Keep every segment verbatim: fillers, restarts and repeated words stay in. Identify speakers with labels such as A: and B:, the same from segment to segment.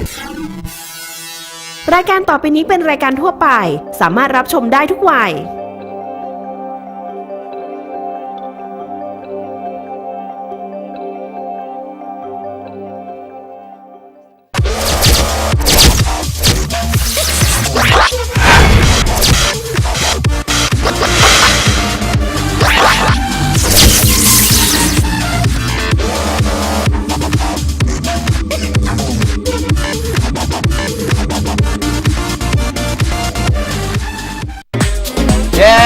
A: รายการต่อไปนี้เป็นรายการทั่วไปสามารถรับชมได้ทุกวัย
B: เย้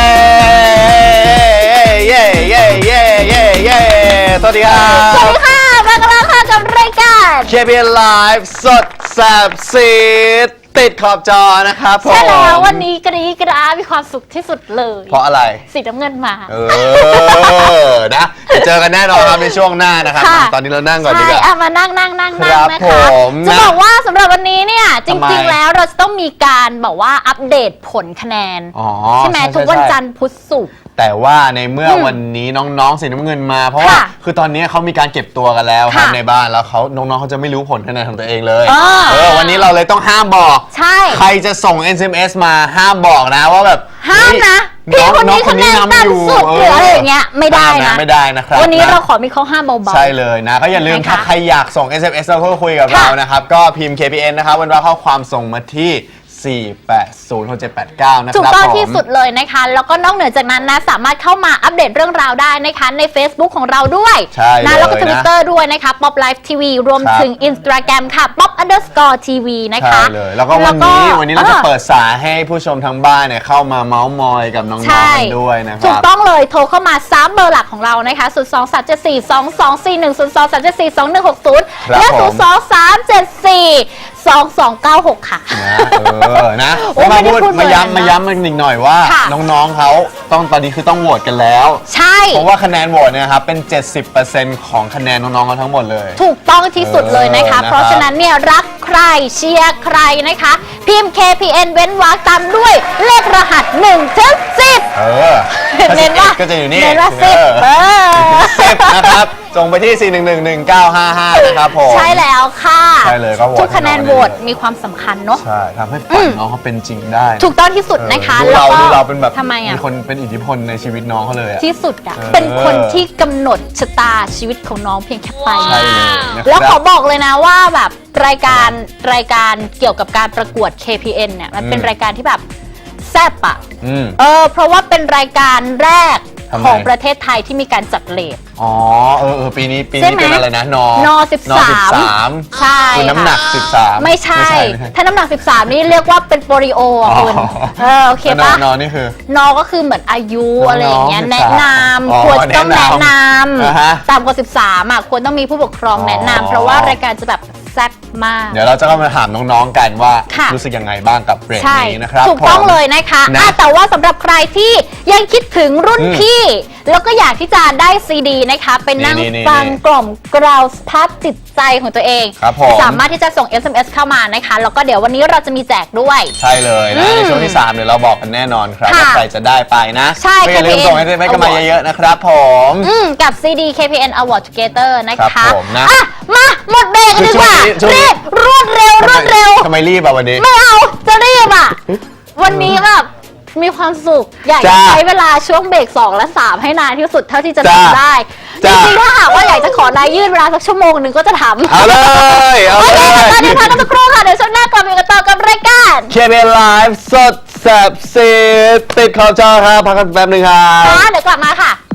B: เย้เย้เย้เย้เย้สวัสดีครับ
C: สวัสดีค่ะมากันแล้วค่ะกับรายการ
B: เค พี เอ็น Live สดแสบซีดติดขอบจอนะครับผม
C: ใช่แล้ววันนี้กรี๊ดกราดมีความสุขที่สุดเลย
B: เพราะอะไร
C: สีน้ำเงินมา
B: เออนะจะเจอกันแน่นอนครับในช่วงหน้านะครับตอนนี้เรานั่งก่อนดีกว่า
C: ใช่มานั่งนั่งนั่งนั่งนะคะจะบอกว่าสำหรับวันนี้เนี่ยจริงๆแล้วเราจะต้องมีการบอกว่าอัปเดตผลคะแนนใช่ไหมทุกวันจันทร์พุธศุกร์
B: แต่ว่าในเมื่อวันนี้น้องๆสีน้ำเงินมาเพราะว่าคือตอนนี้เขามีการเก็บตัวกันแล้วครับในบ้านแล้วเขาน้องๆเขาจะไม่รู้ผลคะแนนของตัวเองเลยเออวันนี้เราเลยต้องห้ามบอก
C: ใช่
B: ใครจะส่ง เอส เอ็ม เอส มาห้ามบอกนะว่าแบบ
C: ห้ามนะพี่คนนี้คะแนนต่ำสุดหรืออะไรอย่างเงี้ยไม่ได้นะ
B: ไม่ได้นะครับ
C: วันนี้เราขอมีข้อห้ามเบาๆ
B: ใช่เลยนะก็อย่าลืมถ้าใครอยากส่ง เอส เอ็ม เอส แล้วก็คุยกับเรานะครับก็พิมพ์ เค พี เอ็น นะครับวันว่าข้อความส่งมาที่สี่ แปด ศูนย์ หก เจ็ด แปด เก้านะครับ
C: ถูกต้องที่สุดเลยนะคะแล้วก็นอกเหนือจากนั้นนะสามารถเข้ามาอัปเดตเรื่องราวได้นะคะใน Facebook ของเราด้วยนะแล้วก็ Twitter ด้วยนะคะ Pop Live ที วี รวมถึง Instagram ค่ะ Pop underscore ที วี นะคะ
B: ใช่เลยแล้วก็วันนี้วันนี้เราจะเปิดสายให้ผู้ชมทางบ้านเนี่ยเข้ามาเมาส์มอยกับน้องๆกันด้วยนะครับ
C: ถูกต้องเลยโทรเข้ามาสามเบอร์หลักของเรานะคะศูนย์ สอง สาม เจ็ด สี่ สอง สอง สี่ หนึ่ง ศูนย์ สอง สาม เจ็ด สี่ สอง หนึ่ง หก ศูนย์และศูนย์ สอง สาม เจ็ด สี่ สอง สอง เก้า หกค่ะ
B: เออนะมาพูดมาย้ำมาย้ำอีกหน่อยว่าน้องๆเขาต้องตอนนี้คือต้องโหวตกันแล้ว
C: ใช่
B: เพราะว่าคะแนนโหวตเนี่ยครับเป็น เจ็ดสิบเปอร์เซ็นต์ ของคะแนนน้องๆเขาทั้งหมดเลย
C: ถูกต้องที่สุดเลยนะคะเพราะฉะนั้นเนี่ยรักใครเชียร์ใครนะคะพิมพ์ เค พี เอ็น เว้นวรรคตามด้วยเลขรหัสหนึ่งถึงสิบ
B: เออ
C: เน้นว่า
B: ก็จะอยู่นี่
C: เน้นว่าสิบเออ
B: สิบนะครับส่งไปที่ สี่ หนึ่ง หนึ่ง หนึ่ง เก้า ห้า ห้า นะครับผม
C: ใช่แล้วค่ะ
B: ใช่เลยก็โหวต
C: ทุกคะแนนโหวตมีความสำคัญเนาะ
B: ใช่ทำให้ฝันน้องเขาเป็นจริงได้
C: ถูกต้องที่สุดนะคะ
B: แล้วก็เราเป็นแบบ
C: ทำไมอ่ะ
B: มีคนเป็นอิทธิพลในชีวิตน้องเขาเลย
C: ที่สุดอ่ะเป็นคนที่กำหนดชะตาชีวิตของน้องเพียงแค่ไป
B: ใช่เลย
C: แล้วขอบอกเลยนะว่าแบบรายการรายการเกี่ยวกับการประกวด เค พี เอ็น เนี่ยมันเป็นรายการที่แบบแซ่บอ่ะเออเพราะว่าเป็นรายการแรกของประเทศไทยที่มีการจัดเลท
B: อ๋อเออเออปีนี้ปีนี้เป็นอะไรนะนอน
C: อ สิบสามใช่
B: คือน้ำหนักสิบสาม
C: ไม่ใช่ถ้าน้ำหนักสิบสามนี่เรียกว่าเป็นโปลิโออ่ะคุณเออโอเคปะ
B: นอนี่คือน
C: อก็คือเหมือนอายุอะไรอย่างเงี้ยแนะนำควรต้องแนะนำตามกฎสิบสามอ่ะควรต้องมีผู้ปกครองแนะนำเพราะว่ารายการจะแบบแซ่บมาก
B: เดี๋ยวเราจะเข้ามาถามน้องๆกันว่ารู้สึกยังไงบ้างกับเบรกนี้นะครับ
C: ถูกต้องเลยนะคะแต่ว่าสำหรับใครที่ยังคิดถึงรุ่นพี่แล้วก็อยากที่จะได้ซีดีนะคะเป็นนั่งฟังกล่อมกล่าวสภาพจิตใจของตัวเองสามารถที่จะส่ง เอส เอ็ม เอส เข้ามานะคะแล้วก็เดี๋ยววันนี้เราจะมีแจกด้วย
B: ใช่เลยนะในช่วงที่สามเดี๋ยวเราบอกกันแน่นอนครับว่าใครจะได้ไปนะ
C: ใช่
B: อย่าลืมส่ง เอส เอ็ม เอส กันมาเยอะๆนะครับผม
C: กับ ซี ดี เค พี เอ็น Award Together นะคะอ่ะมาหมดเบรกกันดีกว่ารีบรวดเร็วรวดเร็ว
B: ทำไมรีบอ่ะวันนี้
C: ไม่เอาจะรีบอ่ะวันนี้แบบมีความสุขอยากจะใช้เวลาช่วงเบรกสองและสามให้นานที่สุดเท่าที่จะทำได้จริงๆถ้าหากว่าอยากจะขอนายยืดเวลาสักชั่วโมงหนึ่งก็จะทำ
B: เอาเลยเอาเลย
C: ตอนนี้พักกันสักครู่ค่ะเดี๋ยวช่วงหน้ากลับมากันต่อกับรายการ
B: เค พี เอ็น Live สดแซ่บซีดติดขอบจอครับพักกันแป๊บนึงครับ
C: เดี๋ยวกลับมาค่ะ